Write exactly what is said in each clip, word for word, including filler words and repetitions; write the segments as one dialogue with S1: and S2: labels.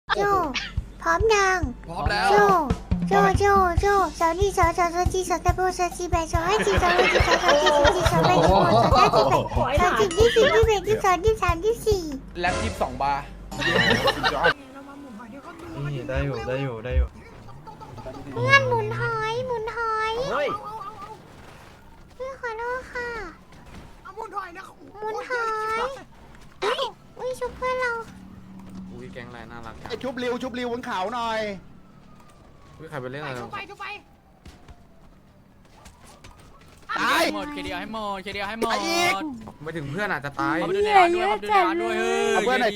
S1: โจพร้อมยัง
S2: พร้อมแล้ว
S1: โจโจโจโจสาวนี่สาวสาวสาวจีสาวตะโบสาวจีแบสาวให้จีสาวให้จีสาวสาวจีสาวจีสาวแบสาวสาวจีแบสาวจีที่สี่ที่แบที่สองที่สามที่สี่
S2: แล็บยี่สิบสองบาร์
S3: นี่ได้อยู่ได้อยู่ได้อยู่
S1: เพื่อนหมุนหอยหมุนหอย
S3: เฮ้ย
S1: เพื่อนขอโทษค่ะ
S4: เอามุนถอยนะ
S1: หมุนหอยอุ้ยอุ้ยชุบเพื่อนเรา
S5: อุ้ยแก๊งไรน่ารักจัง
S2: ไอชุบริวชุบริวบนเขาหน่อย
S5: อุ้ยใครไปเล่นอะไร
S4: ทุบไปทุบไป
S2: ตาย
S6: หมดเคเดียวให้หมดเคเดียวให้หมด
S2: ตายอีก
S5: ไม่ถึงเพื่อนอาจจะตาย
S6: เอาไปดูในร้านด้วยเอาไปดูในร้านด้วยเฮ้ย
S2: เอาเพื่อนหน่อย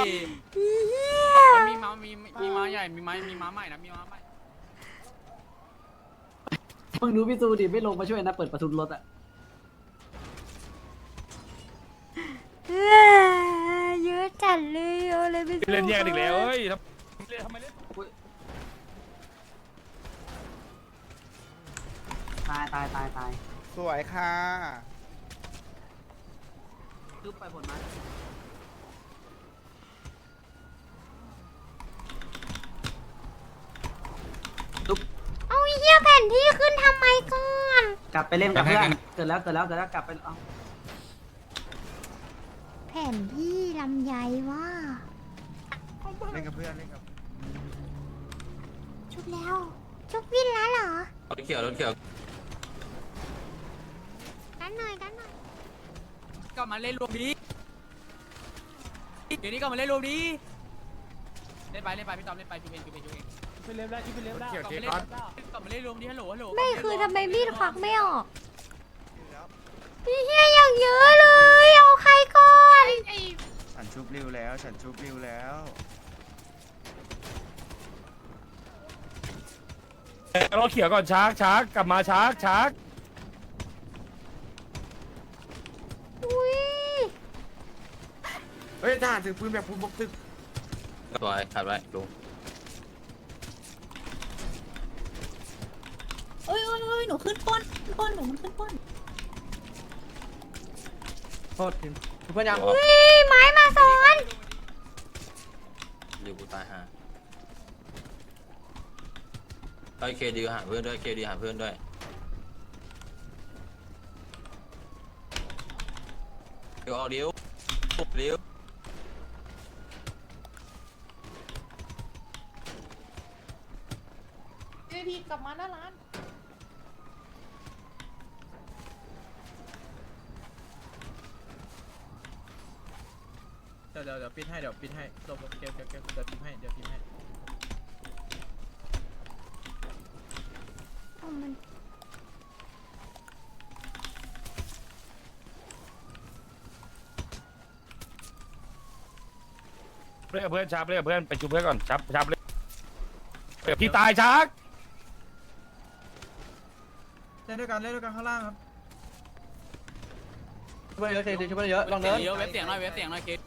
S6: มีม้ามีมีม้าใหญ่มีม้ามีม้าใหม่นะมีม้าใหม่
S7: มึงดูพี่ซูดิไม่ลงมาช่วยนะเปิดประตูรถอะ
S1: เยอะจัดเลยเอาเลยไป
S3: เล่นแยกอีกแล้วเฮ้ยทำไมเล่น
S7: ตายตายตายตาย
S2: สวยค่ะ
S7: ทุบไปผลมา
S1: เอาเหี้ยแผ่นที่ขึ้นทำไมก่อน
S7: กลับไปเล่นกับเพื่อนเกิดแล้วเกิดแล้วเกิดแล้วกลับไปเอา
S1: แผ่นที่ลำไยว่า
S2: เล่นกับเพื่อนเล่นกับ
S1: ชุบแล้ว ชุบวินแล้วเหรอ
S5: รถเกี่ยวรถเกี่ยว
S1: กันหน่อยกันหน่อย
S6: ก็มาเล่นรวมดีเดี๋ยวนี้ก็มาเล่นรวมดีเล่นไปเล่นไปพี่ตอมเล่นไปจูเองจูเองจูเอง
S3: ไปเล่นได้ที่ไปเล่นได้
S5: เกี่ยว
S6: ก็
S5: เกี่
S6: มา
S5: ยว
S6: เล่
S5: ก่อน
S6: นก็มาเล่นรวมดีฮัลโหลฮัลโหล
S1: ไม่คือทำไมมีดควักไม่ออกพี่เฮียอย่างเยอะเลย เอาใครก่อน
S2: ฉันชุบริวแล้ว ฉันชุบริวแล้ว
S3: รถเขียวก่อนชาร์กชาร์กกลับมาชาร์กชาร์ก
S1: อุ้ย
S5: เฮ้ยทหารถือปืนแบบพูนบกตึกสวยขัดไว้ลุง
S8: เอ้ยเอ้ยเอ้ยหนูขึ้นป้นขึ้นป้นหนูมันขึ้นป้น
S3: โทษทีเพื่อนยัง
S1: อุ้ยไม้มาซ้อน
S5: หรือกูตายห่าไอ้เคดีหาเพื่อนด้วยเคดีหาเพื่อนด้วยเดี๋ยวออกเดี๋ยวเดี๋ยว
S8: เอ้ยพี่กลับมาหน้าร้าน
S3: เดี๋ยวเดี๋ยวเดี๋ยวปิดให้เดี๋ยวปิดให้ลบเกมเกมเกมเดี๋ยวพิมพ์ให้เดี๋ยวพิมพ์ให้
S1: เอามัน
S3: เล่นกับเพื่อนชาร์กเล่นกับเพื่อนไปจูเพื่อนก่อนชาร์กชาร์กเล่นเดี๋ยวพี่ตายชาร์กเล่นด้วยกันเล่นด้วยกันข้างล่างครับช่วยเยอะเคช่วยเยอะลอง
S6: เสี
S3: เดิ
S6: ยง
S3: น
S6: เยอะเว็บเสียงหน่อยเว็บเสียงหน่อยเค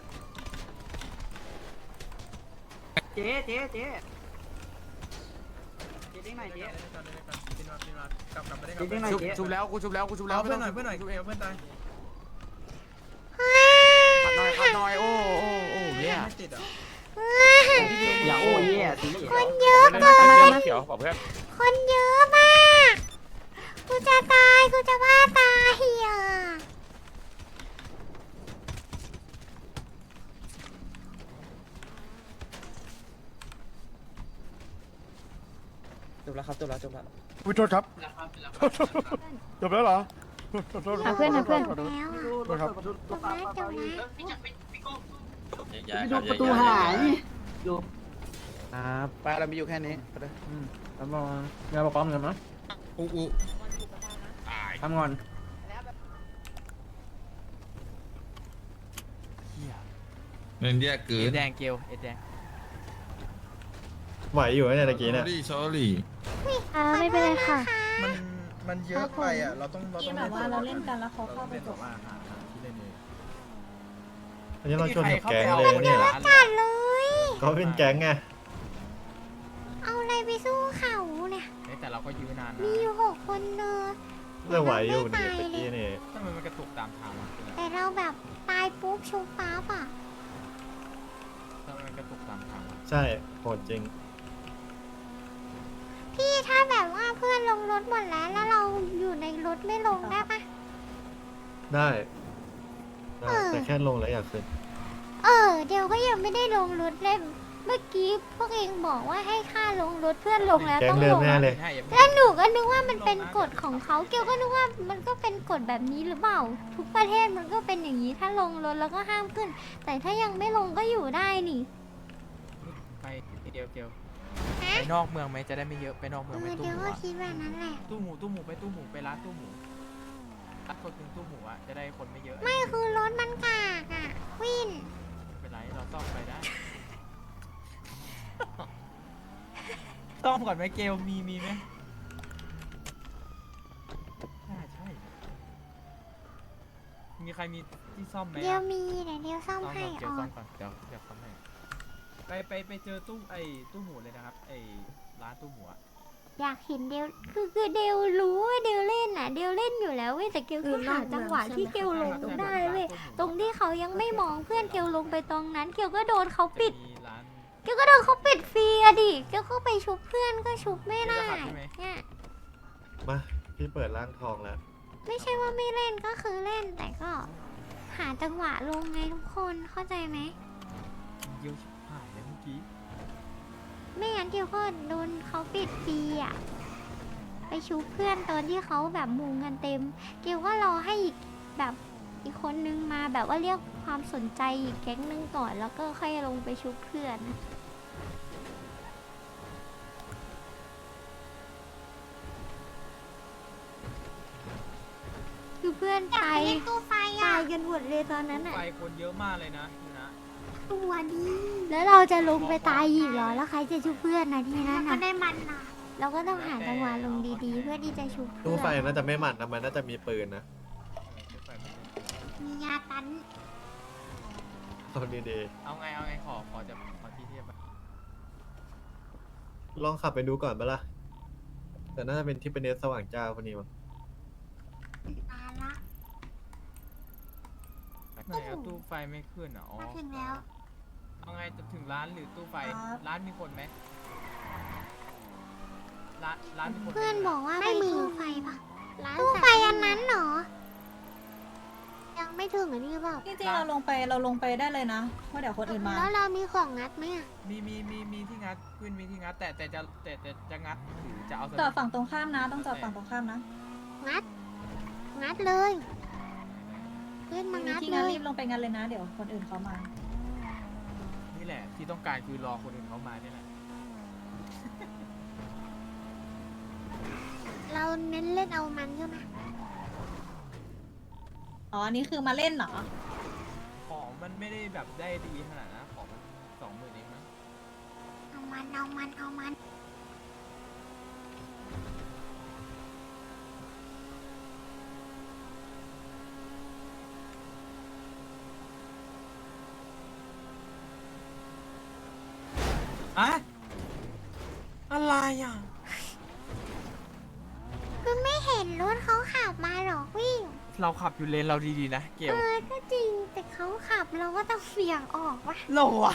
S7: เจ๊เจ๊เจ๊เจ๊ดิ้งไหนเจ๊เจ๊ดิ้งไหน
S5: ชุบ
S7: เจ๊
S5: ชุบแล้วกูชุบแล้วกูชุบแล้ว
S3: เพื่อนหน่อยเพื่อนหน่อยเพื่อนตาย
S5: ขัดหน่อยขัดหน่อยโอ้โอ้โอ้เนี่ย
S3: ไม่ติดอ่ะ
S7: อย่าโอ้ยแย่สิ
S1: คนเยอะ
S3: เล่น
S1: เกิน
S3: เขียวบอกเพื่อน
S1: คนเยอะมากกูจะตายกูจะว่าตายอ่ะ
S3: จบแล้วครับจบแล้วจบแล้วอุ้ยโทษครับจบแล้วเหรอ
S1: หาเพื่อนหาเพื่อนแล้ว
S7: ดูรถเปิดประตู
S1: จบแล้วจบแล้ว
S7: พี่ดูประตูหายดู
S3: ครับ
S2: ไปเรามีอยู่แค่นี้ไปเลย
S3: ทำงานงานประกอบเงินมั้ย
S5: อู้อู้
S3: ทำงาน
S9: เล่นแยกเกิ
S6: เอ็
S9: น
S6: ดแดงเกลเอ็ดแดง
S3: ไหวอยู่เนี่ยตะกี้เนี่ย
S9: รี่ชอรี่
S1: อ่าไม่เป็นไรค่ะ
S2: มันมันเยอะไปอ่ะ เราต้องเรา
S8: ที่
S2: ต้อง
S8: แบบว่าเราเล่นกันแล้วเขาเข้าไปจบ
S3: อันนี้เราชวนกับแก๊งเลยเนี่ย
S1: จัดเลย
S3: เขาเป็นแก๊งไง
S1: เอาอะไรไปสู้เขาเนี่ย
S6: แต่เราก็ยื้อนานนะ
S1: มีอยู่หกคนเนอะ
S3: เรื่องไหวอยู่เนี่ยตะกี้นี่
S6: ทำไมมันกระตุกตามทางวะ
S1: แต่เราแบบตายปุ๊บชุบปั๊บอ่ะ
S6: ทำไมมันกระตุกตามทางวะ
S4: ใช่โหดจริง
S1: พี่ถ้าแบบว่าเพื่อนลงรถหมดแล้วแล้วเราอยู่ในรถไม่ลงได้ปะ
S4: ได้ได้
S1: เออ
S4: แต่แค่ลงแล้วอยากขึ้น
S1: เออเดี๋ยวก็ยังไม่ได้ลงรถเลยเมื่อกี้พวกเองบอกว่าให้ค่าลงรถเพื่อนลงแล้ว
S4: แก๊ง
S1: ต้อง
S4: เดิ
S1: ล
S4: ม
S1: ง
S4: แน่เลย
S1: แล้วหนูก็นึกว่ามันเป็นกฎของเขาเกียวก็นึกว่ามันก็เป็นกฎแบบนี้หรือเปล่า ทุกประเทศมันก็เป็นอย่างนี้ถ้าลงรถแล้วก็ห้ามขึ้น แต่ถ้ายังไม่ลงก็อยู่ได้นี่
S6: ไปเดียวเดียว
S1: ฮะ
S6: ไปนอกเมืองไหมจะได้ไม่เยอะไปนอก
S1: เอ
S6: เมือง
S1: อ
S6: ไปตู้
S1: เดี๋ยว
S6: หมู
S1: ก็
S6: อะ
S1: คิดแบบนั้นแหละ
S6: ตู้หมูตู้หมูไปตู้หมูไปร้านตู้หมูร้านคนถึงตู้หมูอ่ะจะได้คนไม่เยอะ
S1: ไม่คือรถมันกากอ่ะวิน
S6: ไม่เป็นไรเราซ่อมไปได้ ซ่อมก่อนไหมเกลมีมีไหมน่าใช่มีใครมีที่ซ่อมไหมอะ
S1: เดี๋ยวมีเดี๋ยวเดี๋ยวซ่อม
S6: ซ่อม
S1: ให้
S6: ก่อนเกล
S1: ออ
S6: ซ่อน มก่อนเดี๋ยวเดี๋ยวซ่อมให้ไปไปไปเจอตู้ไอ้ตู้หมูเลยนะครับไอ้ร้านตู้หมูอะ
S1: อยากเห็นเดวคือคือเดวรู้ว่าเดวเล่นอ่ะเดวเล่นอยู่แล้วเว้ยแต่เกลก็หาจังหวะที่เกลลงได้เว้ยตรงที่เขายังไม่มองเพื่อนเกลลงไปตรงนั้นเกลก็โดนเขาปิด
S6: จะมีร้าน
S1: เกลก็โดนเขาปิดฟรีอะดิเกลก็ไปชุบเพื่อนก็ชุบไม่ได้
S6: เกลจะขับใช่ไหม
S1: เนี่ย
S4: มาพี่เปิดร่างทองแล้ว
S1: ไม่ใช่ว่าไม่เล่นก็คือเล่นแต่ก็ หาจังหวะลงไงทุกคนเข้าใจไหม
S6: เยี่ยวชิบหายเลยเมื่อกี้
S1: ไม่งั้นเกลก็โดนเขาปิดฟรีอะไปชุบเพื่อนตอนที่เขาแบบมุงกันเต็ม เกลก็รอให้อีกแบบอีกคนนึงมาแบบว่าเรียกความสนใจอีกแก๊งนึงก่อนแล้วก็ค่อยลงไปชุบเพื่อน คือเพื่อนตายตายกันหมดเลยตอนนั้นอ่ะ
S6: ไฟคนเยอะมากเลยนะพี่นะ
S1: ตัวดีแล้วเราจะลงไปตายอีกเหรอแล้วใครจะชุบเพื่อนนะทีนั้นนะได้มันนะเราก็ต้องหาจังหวะลงดีๆ เพื่อที่จะชุบเพื่
S4: ตู้
S1: อน
S4: ไฟน่าจะไม่หมัดนะมันน่าจะมีปืนนะ
S1: มียาตัน
S4: เอาดี
S6: เอาไงเอาไงขอขอจะขอที่เทียบอะ
S4: ๆลองขับไปดูก่อนปะล่ะแต่น่าจะเป็นที่เป็นเนสสว่างเจ้าคนนี้มั้ง
S1: ตายละ
S6: ไหนอะตู้ไฟไม่ขึ้นอ่ะอ๋อ
S1: มาถึงแล้ว
S6: เอาไงจะถึงร้านหรือตู้ไฟ
S8: ครับ
S6: ร้านมีคนไหมร้านร้านมีคนไหม
S1: เพื่อนบอกว่าไม่มีตู้ไฟปะตู้ไฟอันนั้นเหรอ ยังไม่ถึงอันนี้หรือเปล่า
S8: จริงๆเราลงไปเราลงไปได้เลยนะเพราะเดี๋ยวคนอื่นมา
S1: แล้วเรามีของงัดไหมอะ
S6: มีมีมีมีที่งัดขึ้นมีที่งัด แต่แต่จะแต่แต่จะงัดหรือจะเอาส
S8: จอดฝั่งตรงข้ามนะ ต้องจอดฝั่งตรงข้ามนะ
S1: งัด งัดเลยเพื่อนมางัด
S8: ที่
S1: เล
S8: งั้น
S1: ย
S8: รีบลงไปงั้นเลยนะ เดี๋ยวคนอื่นเขามา
S6: นี่แหละที่ต้องการคือรอคนอื่นเขามาเนี่ยแหละ
S1: เราเน้นเล่นเอามันใช่ไหม
S8: อ๋อ อันนี้คือมาเล่นเหรอ
S6: ของมันไม่ได้แบบได้ดีขนาดนะของมันสองหมื่นเองนะ
S1: เอามันเอามันเอามัน
S6: อะอะไรอ่ะ
S1: คือไม่เห็นรถเขาขับมาหรอกวิ่ง
S6: เราขับอยู่เลนเราดีๆนะเกล
S1: เออก็จริงแต่เขาขับเราก็ต้องเบี่ยงออกวะ
S6: โลอ่ะ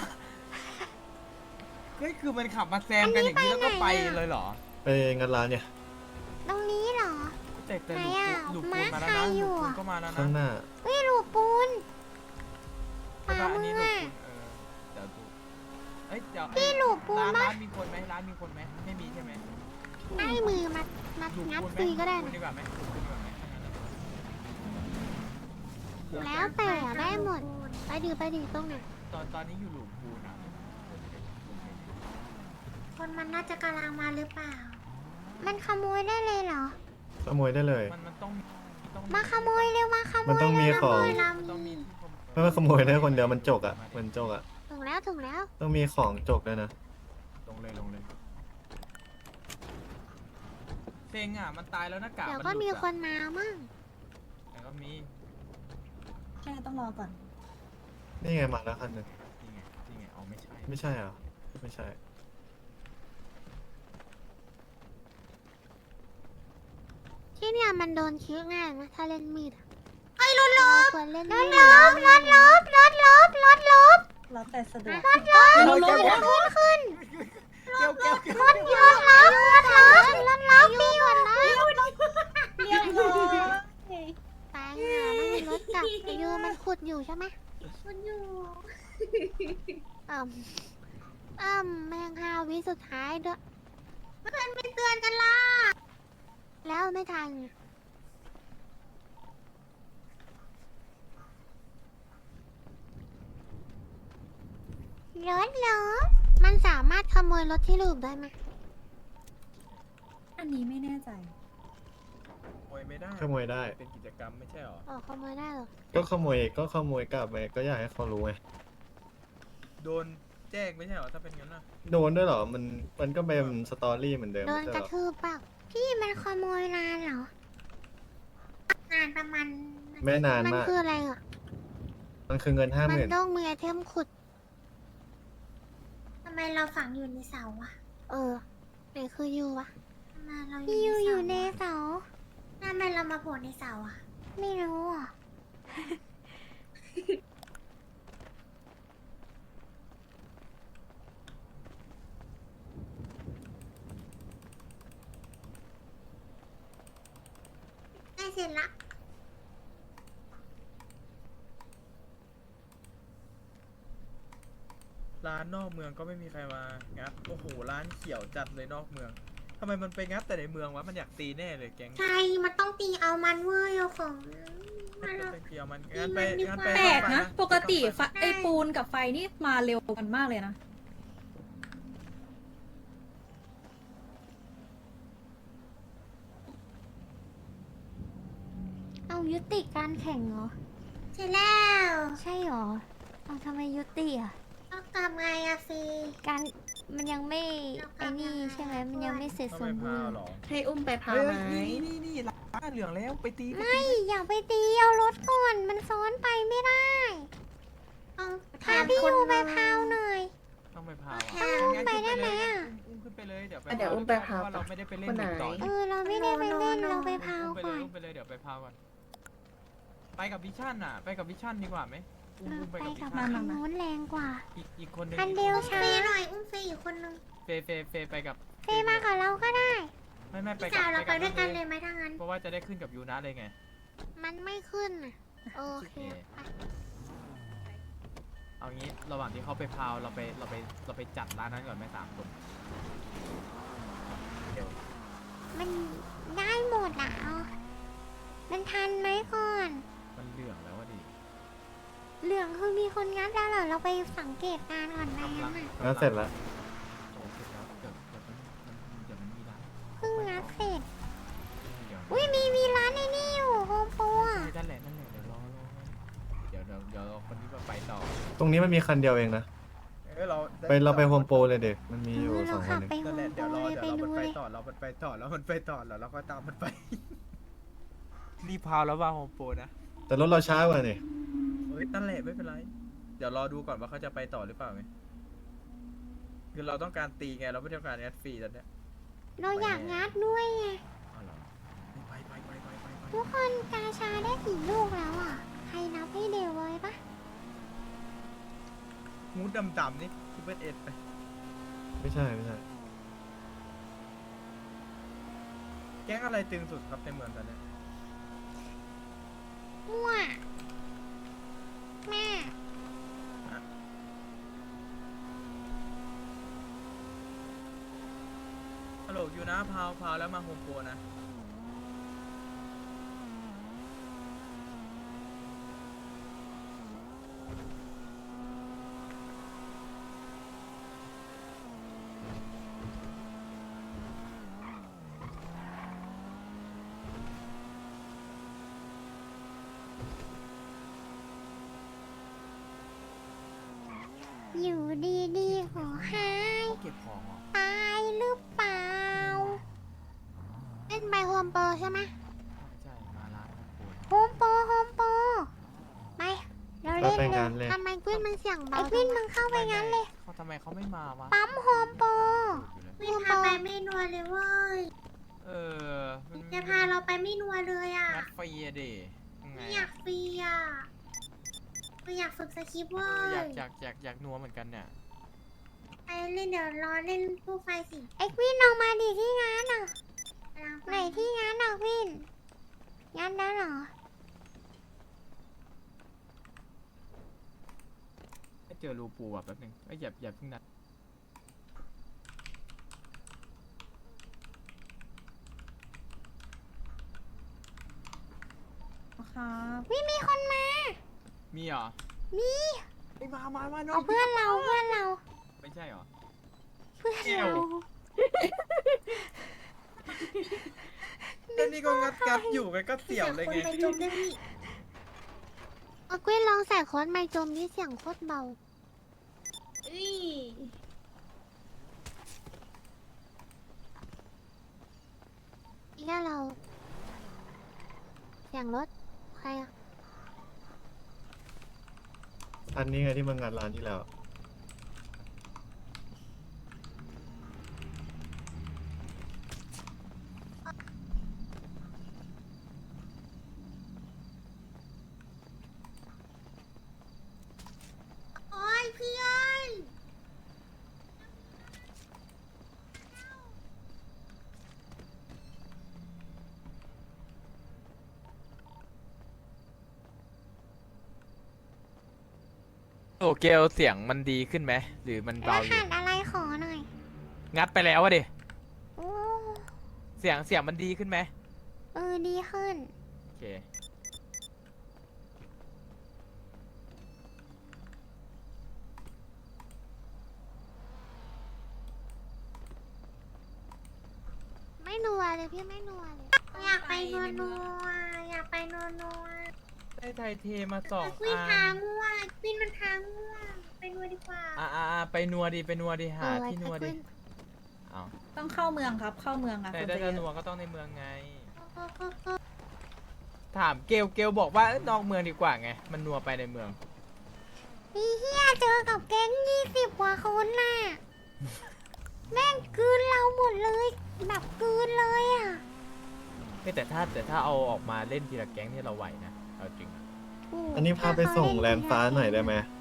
S6: ก็คือมันขับมาแซงกันอย่างนี้แล้วก็ไปเลยเหรอ
S4: ไปงานร้านเนี่ย
S1: ตรงนี้เหรอ
S6: แต่แต่
S1: ไหน
S6: หลุด
S1: อะ
S6: ปูนหลุดปูนมาแล้ว
S1: ม้า
S6: นะ
S1: ใคร
S6: ห
S1: อยู่
S6: ลุดปูน
S1: อะ
S6: ก็มาแล้วนะ
S4: ข้างหน้า
S1: เฮ้ยลูกปูน
S6: ใช่ปะอันนี้หลุด
S1: ปลา
S6: ปูนเออเดี๋ยวดูเอ้ยเดี๋ยว
S1: พี่หลุดปูน
S6: ร้าน
S1: ปะ
S6: ร้านมีคนไหมร้านมีคนไหมไม่มีใช่ไหม
S1: ให้มือมามา
S6: หลุด
S1: งัด
S6: ปูนไหม
S1: ฟรีก็ได้
S6: หลุ
S1: นะ
S6: ดีกว่าไหมหลุดปูนดีกว่าไหมถ้างั้นอะ
S1: แล้วแต่ได้หมด ไปดีไปดีตรงไหน
S6: ตอนตอนนี้อยู่หลุมปูนอ่ะ
S1: คนมันน่าจะกำลังมาหรือเปล่า มันขโมยได้เลยเหรอ
S4: ขโมยได้เลย
S6: มันมันต้องต้อง
S1: มาขโมยเร็วมาขโมย
S4: มันต้องมีของ
S1: เร็วนะ
S6: มันต้องมี
S4: ไม่ว่าขโมยได้คนเดียวมันจกอ่ะ มันจกอ่ะ
S1: ถึงแล้วถึงแล้ว
S4: ต้องมีของจกด้วยนะ
S6: ลงเลยลงเลยเซ็งอ่ะมันตายแล้วหน้ากาก
S1: เดี๋ยว
S6: มัน
S1: ก็
S6: หลุด
S1: มี
S6: อะ
S1: คนมามั่ง
S6: แต่ก็มี
S8: ใช่ต้องรอก่อน
S4: นี่ไงมาแล้วคันหนึง
S6: นี่ไงนี่ไงอ๋อไม่ใช่
S4: ไม่ใช่เหรอไม่ใช่
S1: ที่เนี่ยมันโดนคิ้วง่ายนะถ้าเล่นมีดอะไอ้รถลบรถลบรถลบรถลบรถลบรถลบ
S8: แล้วแต่สะดวก
S1: รถรถรถขึ้น
S2: เกี่ยวเกี่ยวเกี่ยว
S1: รถรถล็อกรถล็อกรถล็อกมีหมดเลย
S8: เรียบร้อย
S1: ตายห่าไม่มีรถจับไปยูมันขุดอยู่ใช่ไหม
S8: มันอยู่
S1: อ่มอ่มแมงฮาวิสุดท้ายด้วยเพื่อนไม่เตือนกันล่ะแล้วไม่ทันรถเหรอมันสามารถขโมยรถที่ลูกได้ไหม
S8: อันนี้ไม่แน่ใจ
S2: โอ้ยไม่ได้
S4: ขโมยได้
S2: เป็นกิจกรรมไม่ใช่หรอ
S1: อ๋อขโมยได้เหรอ
S4: ก็ขโมยก็ขโมยกลับไปก็อยากให้เขารู้ไง
S2: โดนแจ้งไม่ใช่หรอถ้าเป็นงั้นนะ
S4: โดนด้วยเหรอมันมันก็เป็นสตอรี่เหมือนเดิม
S1: โดน
S4: ไม่
S1: ก
S4: ใช่
S1: ระ
S4: เหรอ
S1: ทืบเปล่าพี่มันขโมยนานเหรอ นานประมาณ
S4: ไม่นาน
S1: มัน
S4: มาก
S1: คืออะไรอ่ะ
S4: มันคือเงินห้าห
S1: มัน
S4: มื่น
S1: ต้องมีไอเทมขุดทำไมเราฝังอยู่ในเสาอะเออไหนคือยูวะพี่ยูอยู่ในเสาทำไมเรามาโผล่ในเสาอะไม่รู้อ่ะ ได้เสร็จละ
S2: ร้านนอกเมืองก็ไม่มีใครมางัดโอ้โหร้านเขียวจัดเลยนอกเมืองทำไมมันไปงัดแต่ในเมืองวะมันอยากตีแน่เลยแก๊ง
S1: ใช่มันต้องตีเอามันเว้ยเอาของ
S2: มันก็เป็นเกียวมันงั้นไปงั้นไป
S8: แปลกนะ
S2: ไป
S8: ปกติไฟไอปูนกับไฟนี่มาเร็วกันมากเลยนะ
S1: เอายุติการแข่งเหรอ ใช่แล้ว ใช่เหรอ เอาทำไมยุติอ่ะต้องทำไงอะฟีการมันยังไม่ไอ้นี่ใช่ไหมมันยังไม่เสร็จ
S2: ต้อง
S1: ส
S2: ไป
S1: มบู
S2: พาว
S1: รณ์
S2: หรอ
S7: ให้อุ้มไปพา
S2: เฮ้ย
S7: ไหม
S2: นี่นี่นี่ร้านเหลืองแล้วไปตี
S1: ไม่อย่าไปตีเอารถก่อนมันซ้อนไปไม่ได้เอาพาพี่ยูไปพาวหน่อย
S2: ต้องไปพาว
S1: เอาอุ้มไปได้ไหมอะ
S2: อุ้มขึ้นไปเลยเดี๋ยวไป
S7: เดี๋ยวอุ้มไปพาว
S2: เพระเราไม่ได้ไปเล่น
S7: คนไหน
S2: เด็กต่อ
S1: เออเราไม่ได้ไปเล่นเราไปพาว
S2: อุ้มไปเล
S1: ก่อย น
S2: อุ้มไปเลยเดี๋ยวไปพาวก่อนไปกับวิชั่นอ่ะ ไปกับวิชั่นดีกว่าไหมอุ้ม
S1: เออ
S2: อุ้มไป
S1: ไป
S2: กับวิ
S1: กับ
S2: ชั่น
S1: ทางโน้นแรงกว่า
S2: อีกอีกคนนึง
S1: คันเดียวช้าหน่อยอุ้มเฟยอีกคนนึง
S2: เฟเฟเฟไปกับ
S1: เฟยมากับเราก็ได้
S2: ไม่ไม่ไป
S1: พี่
S2: กับ
S1: สาวเราไปด้วยกัน
S2: บ
S1: เลยไหมถ้างั้น
S2: เพราะว่าจะได้ขึ้นกับยูนะเลยไง
S1: มันไม่ขึ้นอ่ะโอเคไป
S2: เอางี้ระหว่างที่เขาไปพาวเราไปเราไปเราไปจัดร้านนั้นก่อนไหมสามคนเดี๋ยว
S1: มันได้หมดอ่ะเอามันทันไหมก่อน
S2: มันเหลืองแล้วอะดิ
S1: เหลืองคือมีคนงัดแล้วเหรอเราไปสังเกตการณ์ก่อนไหม
S2: กำลั
S1: งั้
S2: ง
S1: นอ่ะ
S4: งั้นเสร็จแล้ว
S2: โอ้เสร็จแล้วเดี๋ยวเดี๋ยวมันมันเดี๋ยวมันมีร้าน
S1: เพิ่งงัดเสร็จ
S2: เดี๋ยว
S1: อุ้ยมีมีร้านในนี่อยู่โฮมโปรอ่ะ
S2: นั่นแหละนั่นแหละเดี๋ยวรอรอเดี๋ยวเดี๋ยวเดี๋ยวคนนี้มาไปต่อ
S4: ตรงนี้มันมีคันเดียวเองนะ
S2: เออเรา
S4: ไปเราไปโฮมโปรเลยเด็กมันมีอยู่
S1: เออ
S4: ส
S1: เรา
S4: องคั
S1: ขั
S4: น
S1: บ
S4: เอง
S1: ไปโฮ
S2: นั่นแหละ
S1: มโป
S2: เดี๋ยว
S1: ร
S2: รอ
S1: เลย
S2: เดี๋
S1: ไป
S2: ยวเรา
S1: ดู
S2: มันไป
S1: เลย
S2: ต่อเรามันไปต่อแล้วมันไปต่อแล้วเราก็ตามมันไป รีบพาวแล้วว่าโฮมโปรนะ
S4: แต่รถเราช้ากว่านี่
S2: เฮ้ยนั่นแหละไม่เป็นไร เดี๋ยวรอดูก่อนว่าเขาจะไปต่อหรือเปล่าไงคือเราต้องการตีไงเราไม่ต้องการแอดฟรีตอนเนี้ย
S1: เราอยากงัดด้วยไง
S2: เอาเหรอไปไปไปไปไปไป
S1: ทุกคนกาชาได้กี่ลูกแล้วอ่ะใครนับให้เดวไว้ปะ
S2: มูดดำๆนี่คิปเปิลเอ็ดไป
S4: ไม่ใช่ไม่ใช่
S2: แก๊งอะไรตึงสุดครับในเมืองตอนเนี้ย
S1: มั่วแม่
S2: ฮัลโหลอยู่นะพาวพาวแล้วมาโฮมโปรนะ
S1: อยู่ดีๆขอหาย
S2: เขาเก็บของเหรอ
S1: ตายหรือเปล่าเล่นไปโฮมโปรใช่ไหม
S2: ใช่มาร้านโฮมโปร
S1: โฮมโปรโฮมโปรไปเรา
S4: เรา
S1: เล่น
S4: ไป
S1: เล
S4: งาย นเลย
S1: ทำไมกวินมันเสียงเบาไอ้กวินมึงเข้าไปงั้นเลย
S2: เขาทำไมเขาไม่มาวะ
S1: ปั๊มโฮมโปร
S2: อยู่เลย
S1: ไม่พาไปไม่นัวเลยเว้ย
S2: เออมัน
S1: จะพาเราไปไม่นัวเลยอ่ะ
S2: งัดฟรีอะดิยังไง
S1: ไม่อยากฟรีอ่ะอยากฝึกสคริปต์เว้
S6: อย ยากอยากอยากอยากนัวเหมือนกันเนี่ย
S1: ไปเล่นเดี๋ยวรอเล่นตู้ไฟสิเอ็กวินออกมาดิที่งานอ่ะไหนที่งานอ่ะวินงานได้เหรอ
S6: เจอรูปูอ่ะแป๊บนึงไอ้ยอย่าอย่าเพิ่งนัด
S8: ครับ
S1: วิมีคนมา
S6: มีเหรอ
S1: มี
S6: ไอ้มามามาน้อ
S1: เอา
S6: ง
S1: เพื่อนเราเพื่อนเรา
S6: ไม่ใช่เหรอ
S1: เพื่อนเรา
S2: แล้วนี่ก็งัดงัดอยู่ไงก็เสี่ยวเลยไง
S1: เอากุ้ยลองใส่โค้ดไมค์จมนี่เสียงโคตรเบาอีกแล้วเรา เสียงรถ ใครอะ
S4: อันนี้ไงที่มางานร้านที่แล้ว
S1: โอ้ยพี่เอ้ย
S6: โอเกลเสียงมันดีขึ้นไหมหรือมัน
S1: ร
S6: เบาอยู่
S1: หัสอะไรขอหน่อย
S6: งัดไปแล้วอะดิ
S1: โอ้
S6: เสียงเสียงมันดีขึ้นไหม
S1: เออดีขึ้น
S6: โอเค
S1: ไม่นัวเลยพี่ไม่นัวเลย อยากไปนัวนัวอยากไปนัวนัว
S6: ได้ไทยเทมาสอง
S1: วิน
S6: อั
S1: ทาน ง่วงวินมันทางง่วงไปนัวดีกว่า
S6: อ่าอ่าไปนัวดีไปนัวดีหาที่นัวดีเอา
S8: ต้องเข้าเมืองครับ เข้าเมืองอะ
S6: แต่
S8: คน
S6: ถ้า
S8: จะ
S6: จะ
S8: เย
S6: นัว
S8: อะ
S6: ก็ต้องในเมืองไง ถามเกลเกลบอกว่าเอ้ยนอกเมืองดีกว่าไง มันนัวไปในเมือง
S1: พี่เฮียเจอกับแก๊งยี่สิบกว่าคนน่ะ แม่งกลืนเราหมดเลย แบบกลืนเลยอ่ะ
S6: เฮ้ยแต่ถ้าแต่ถ้าเอาออกมาเล่นทีละแก๊งนี่เราไหวนะ เอาจริง
S4: อันนี้พาไปส่งแลนด์ฟ้าหน่อยได้ไหม
S1: ไ